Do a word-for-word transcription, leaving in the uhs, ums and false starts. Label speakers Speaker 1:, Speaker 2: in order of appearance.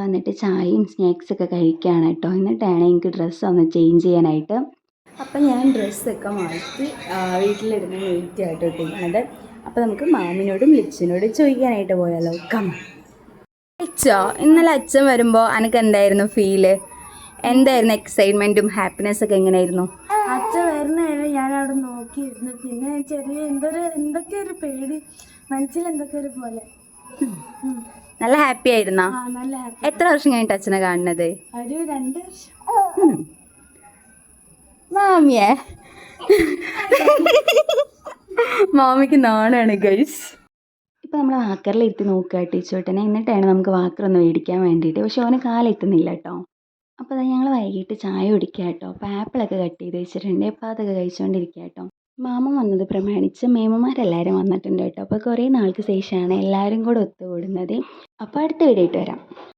Speaker 1: വന്നിട്ട് ചായയും സ്നാക്സൊക്കെ കഴിക്കുകയാണ് കേട്ടോ. എന്നിട്ടാണ് എനിക്ക് ഡ്രസ്സ് ഒന്ന് ചേഞ്ച് ചെയ്യാനായിട്ട്. അപ്പം ഞാൻ ഡ്രസ്സൊക്കെ മാറ്റി വീട്ടിലിരുന്ന് വെയിറ്റ് ആയിട്ട് ഇട്ടിരിക്കുന്നത്. അപ്പോൾ നമുക്ക് മാമിനോടും ലിച്ചിനോടും ചോദിക്കാനായിട്ട് പോയാലോ? കം ലിച്ചോ, ഇന്നലെ അച്ഛൻ വരുമ്പോൾ എനിക്ക് എന്തായിരുന്നു ഫീല്? എന്തായിരുന്നു എക്സൈറ്റ്മെൻറ്റും ഹാപ്പിനെസ്സൊക്കെ എങ്ങനെയായിരുന്നു?
Speaker 2: അച്ഛൻ വരുന്നതായിരുന്നു ഞാൻ അവിടെ നോക്കിയിരുന്നു. പിന്നെ ചെറിയ എന്തൊരു എന്തൊക്കെ ഒരു പേടി, മനസ്സിൽ എന്തൊക്കെ ഒരു പോലെ.
Speaker 1: നല്ല ഹാപ്പി ആയിരുന്നോ?
Speaker 2: നല്ല ഹാപ്പി.
Speaker 1: എത്ര വർഷം കഴിഞ്ഞിട്ട് അച്ഛനെ കാണുന്നത്?
Speaker 2: ഒരു രണ്ട് വർഷം.
Speaker 1: മാമിയെ മാമിക്ക് നാണാണ് ഗൈസ്. ഇപ്പോൾ നമ്മൾ വാക്കറിൽ ഇരുത്തി നോക്കുക ടീച്ചോട്ടനെ. എന്നിട്ടാണ് നമുക്ക് വാക്കർ ഒന്ന് മേടിക്കാൻ വേണ്ടിയിട്ട്. പക്ഷെ അവന് കാലെത്തുന്നില്ല കേട്ടോ. അപ്പോൾ അത് ഞങ്ങൾ വൈകിട്ട് ചായ കുടിക്കുക കേട്ടോ. അപ്പോൾ ആപ്പിളൊക്കെ കട്ട് ചെയ്ത് വെച്ചിട്ടുണ്ട്. അപ്പോൾ അതൊക്കെ കഴിച്ചുകൊണ്ടിരിക്കുക കേട്ടോ. മാമൻ വന്നത് പ്രമാണിച്ച് മേമമാരെല്ലാവരും വന്നിട്ടുണ്ട് കേട്ടോ. അപ്പോൾ കുറേ നാൾക്ക് ശേഷമാണ് എല്ലാവരും കൂടെ ഒത്തുകൂടുന്നത്. അപ്പോൾ അടുത്ത വീഡിയോ ആയിട്ട് വരാം.